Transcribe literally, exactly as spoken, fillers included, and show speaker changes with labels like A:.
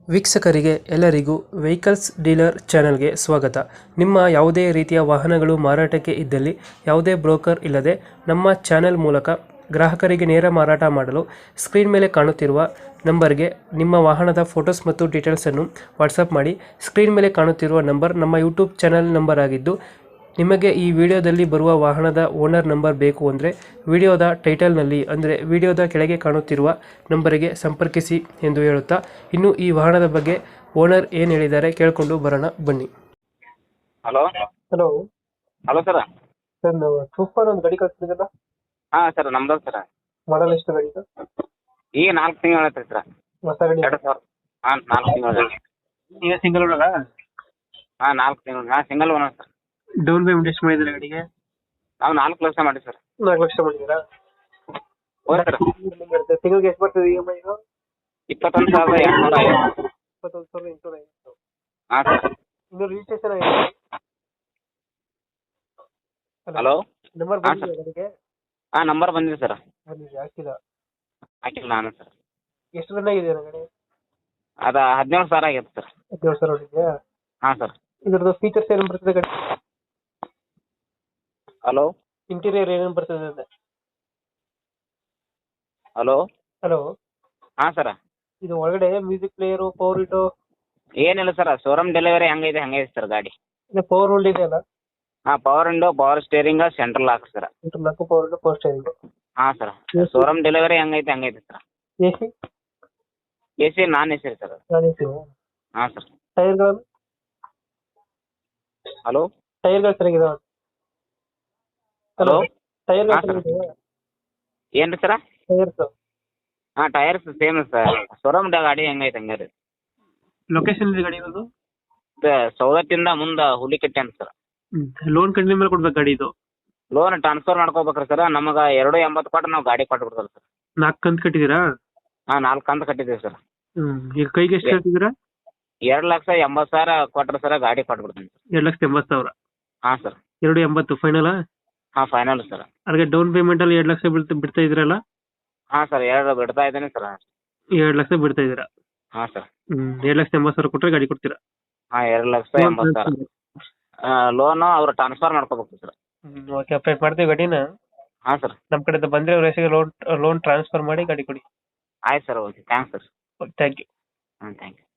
A: ವೀಕ್ಷಕರಿಗೆ ಎಲ್ಲರಿಗೂ vehicles dealer ಚಾನೆಲ್ಗೆ ಸ್ವಾಗತ. ನಿಮ್ಮ ಯಾವುದೇ ರೀತಿಯ ವಾಹನಗಳು ಮಾರಾಟಕ್ಕೆ ಇದ್ದಲ್ಲಿ ಯಾವುದೇ ಬ್ರೋಕರ್ ಇಲ್ಲದೆ ನಮ್ಮ ಚಾನೆಲ್ ಮೂಲಕ ಗ್ರಾಹಕರಿಗೆ ನೇರ ಮಾರಾಟ ಮಾಡಲು ಸ್ಕ್ರೀನ್ ಮೇಲೆ ಕಾಣುತ್ತಿರುವ ನಂಬರ್ಗೆ ನಿಮ್ಮ ವಾಹನದ ಫೋಟೋಸ್ ಮತ್ತು ಡೀಟೇಲ್ಸನ್ನು ವಾಟ್ಸಪ್ ಮಾಡಿ. ಸ್ಕ್ರೀನ್ ಮೇಲೆ ಕಾಣುತ್ತಿರುವ ನಂಬರ್ ನಮ್ಮ ಯೂಟ್ಯೂಬ್ ಚಾನೆಲ್ ನಂಬರ್ ಆಗಿದ್ದು, ನಿಮಗೆ ಈ ವಿಡಿಯೋದಲ್ಲಿ ಬರುವ ವಾಹನದ ಓನರ್ ನಂಬರ್ ಬೇಕು ಅಂದರೆ ವಿಡಿಯೋದ ಟೈಟಲ್ನಲ್ಲಿ ಅಂದರೆ ವಿಡಿಯೋದ ಕೆಳಗೆ ಕಾಣುತ್ತಿರುವ ನಂಬರಿಗೆ ಸಂಪರ್ಕಿಸಿ ಎಂದು ಹೇಳುತ್ತಾ, ಇನ್ನು ಈ ವಾಹನದ ಬಗ್ಗೆ ಓನರ್ ಏನು ಹೇಳಿದ್ದಾರೆ ಕೇಳಿಕೊಂಡು ಬರೋಣ ಬನ್ನಿ.
B: Hello
A: hello
B: hello sir.
A: Sir, ನಾವು ಸೂಪರ್ ಒಂದು ಗಾಡಿ ಕಳಿಸ್ತಿದ್ದಲ್ಲ,
B: ಹಾಂ ಸರ್, ನಮ್ದು ಸರ್.
A: ಮಾಡಲ್ ಎಷ್ಟು ಗಾಡಿ ಸರ್?
B: ಈಗ ನಾಲ್ಕು ತಿಂಗಳು ಆಯ್ತು ಸರ್.
A: ಹೊಸ ಗಾಡಿ
B: ಎರಡು ಸಾವಿರ ಹಾಂ ನಾಲ್ಕು ತಿಂಗಳು
A: ಈಗ ಸಿಂಗಲ್ ಓನರ?
B: ಹಾಂ ನಾಲ್ಕು ತಿಂಗಳು ಹಾಂ single owner sir.
A: Down payment ಎಷ್ಟು ಮಾಡಿದ್ರೆ ಗಾಡಿಗೆ?
B: ನಾವು ನಾಲ್ಕು ಲಕ್ಷ ಮಾಡಿ ಸರ್.
A: ನಾಲ್ಕು ಲಕ್ಷ ಮಾಡಿದ್ದೀರಾ?
B: ಹೌದು ಸರ್.
A: ತಿಂಗಳಿಗೆ ಎಷ್ಟು ಬರ್ತದೆ ಇ ಎಮ್ ಐ?
B: ಇಪ್ಪತ್ತೊಂದು ಸಾವಿರದ ಎಂಟುನೂರ ಐವತ್ತು.
A: ಇಪ್ಪತ್ತೊಂದು ಸಾವಿರದ ಎಂಟುನೂರ ಐವತ್ತು.
B: ಹಾಂ ಸರ್.
A: ಇನ್ನು ರಿಜಿಸ್ಟ್ರೇಷನ್ ಆಗಿದೆ?
B: ಹಲೋ
A: ನಂಬರ್
B: ಹಾಂ
A: ಬಂದಿದೆ
B: ಸರ್.
A: ಗಾಡಿಗೆ?
B: ಹಾಂ ನಂಬರ್ ಬಂದಿದೆ ಸರ್.
A: ಬಂದಿದೆ, ಹಾಕಿಲ್ಲ.
B: ಹಾಕಿಲ್ಲ ನಾನು ಸರ್.
A: ಎಷ್ಟು ರನ್ ಆಗಿದೆ ಗಾಡಿ?
B: ಅದು ಹದಿನೇಳು ಸಾವಿರ ಆಗೈತೆ ಸರ್.
A: ಹದಿನೇಳು ಸಾವಿರ ಹೊಡಿದೆಯಾ?
B: ಹಾಂ ಸರ್.
A: ಇದ್ರದ್ದು ಫೀಚರ್ಸ್ ಏನೇನು ಬರ್ತದೆ ಗಾಡಿ?
B: ಹಲೋ
A: ಇಂಟೀರಿಯರ್ ಏನೇನು ಬರ್ತದೆ ಅಂದೆ?
B: ಹಲೋ
A: ಹಲೋ
B: ಹಾಂ ಸರ್.
A: ಇದು ಒಳಗಡೆ ಮ್ಯೂಸಿಕ್ ಪ್ಲೇಯರು, ಪವರ್ ವಿಂಡೋ
B: ಏನಿಲ್ಲ ಸರ್, ಶೋರೂಮ್ ಡೆಲಿವರಿ ಹೆಂಗೈತೆ ಹಂಗೈತೆ ಸರ್ ಗಾಡಿ.
A: ಇಲ್ಲ ಪವರ್ ಹೋಲ್ಡ್ ಇದೆ ಅಲ್ಲ?
B: ಹಾಂ power window, power steering, central lock sir.
A: ನಾಲ್ಕು ಪವರ್ ವಿಂಡೋ, ಪವರ್ ಸ್ಟೇರಿಂಗ್.
B: ಹಾಂ ಸರ್. ಶೋರೂಮ್ ಡೆಲಿವರಿ ಹೆಂಗೈತೆ ಹಂಗೈತೆ sir.
A: A C?
B: A C non A C sir.
A: Non A C.
B: ಹಾಂ ಸರ್.
A: ಟೈರ್ಗಳು?
B: ಹಲೋ
A: ಟೈರ್ಗಳು ಚೆನ್ನಾಗಿದಾವ?
B: ಹಲೋ
A: ಟೈರ್ಗಳು
B: ಹಾಂ ಸರ್.
A: ಚೆನ್ನಾಗಿದಾವ?
B: ಏನು ರೀ ಸರ?
A: ಟೈರ್ಸ್
B: ಹಾಂ ಟೈರ್ಸ್ ಸೇಮ್ ಸರ್. ಶೋರೂಮ್ ಗಾಡಿ ಹೆಂಗೈತೆ ಹಂಗೆ ರೀ.
A: ಲೊಕೇಶನ್ ಇದೆ ಗಾಡಿ ಇರೋದು?
B: ಸೌದತ್ತಿಂದ ಮುಂದೆ ಹುಲಿಕಟ್ಟೆ ಅಂತ ಸರ್.
A: ಲೋನ್ ಕಂಟಿನ್ಯೂ ಮೇಲೆ ಕೊಡ್ಬೇಕು ಗಾಡಿ ಇದು?
B: ಲೋನ್ ಟ್ರಾನ್ಸ್ಫರ್ ಮಾಡ್ಕೋಬೇಕ್ರಿ ಸರ್. ನಮಗೆ ಎರಡು ಎಂಬತ್ತು ಕೊಟ್ಟು ನಾವು ಗಾಡಿ ಕೊಟ್ಟು ಬಿಡ್ತಾರೆ ಸರ್.
A: ನಾಲ್ಕು ಕಂತು ಕಟ್ಟಿದ್ದೀರಾ?
B: ಹಾಂ ನಾಲ್ಕು ಕಂತು ಕಟ್ಟಿದ್ದೀವಿ ಸರ್.
A: ಹ್ಮ್ ಈಗ ಕೈಗೆ ಎಷ್ಟು ಕಟ್ಟಿದ್ದೀರಾ?
B: ಎರಡು ಲಕ್ಷ ಎಂಬತ್ತು ಸಾವಿರ ಕೊಟ್ಟರೆ ಸರ್ ಗಾಡಿ ಕೊಟ್ಬಿಡ್ತೀನಿ ಸರ್.
A: ಎರಡು ಲಕ್ಷದ ಎಂಬತ್ತು ಸಾವಿರ?
B: ಹಾಂ ಸರ್.
A: ಎರಡು ಎಂಬತ್ತು ಫೈನಲ್?
B: ಹಾಂ ಫೈನಲ್ ಸರ್.
A: ಅದಕ್ಕೆ ಡೌನ್ ಪೇಮೆಂಟ್ ಅಲ್ಲಿ ಎರಡು ಲಕ್ಷ ಬಿಡ್ತಾ ಬಿಡ್ತಾ ಇದ್ರಲ್ಲ?
B: ಹಾಂ ಸರ್, ಎರಡು ಬಿಡ್ತಾ ಇದ್ದೀನಿ ಸರ್.
A: ಎರಡು ಲಕ್ಷ ಬಿಡ್ತಾ ಇದ್ದೀರಾ?
B: ಹಾಂ ಸರ್.
A: ಹ್ಮ್ ಎರಡು ಲಕ್ಷದ ಎಂಬತ್ತು ಸಾವಿರ ಕೊಟ್ಟರೆ ಗಾಡಿ ಕೊಡ್ತೀರಾ?
B: ಹಾಂ ಎರಡು ಲಕ್ಷ ಎಂಬತ್ತು ಸಾವಿರ ಲೋನು ಅವ್ರು ಟ್ರಾನ್ಸ್ಫರ್ ಮಾಡ್ಕೋಬೇಕು ಸರ್.
A: ಹ್ಮ್ ಓಕೆ, ಅಪ್ಡೇಟ್ ಮಾಡ್ತೀವಿ ಗಾಡಿನ.
B: ಹಾಂ ಸರ್.
A: ನಮ್ಮ ಕಡೆಯಿಂದ ಬಂದರೆ ಅವ್ರ ಹೆಸರಿಗೆ ಲೋನ್ ಲೋನ್ ಟ್ರಾನ್ಸ್ಫರ್ ಮಾಡಿ ಗಾಡಿ ಕೊಡಿ.
B: ಆಯ್ತು sir. Okay thanks sir.
A: Thank you.
B: ಹಾಂ ಥ್ಯಾಂಕ್ ಯು.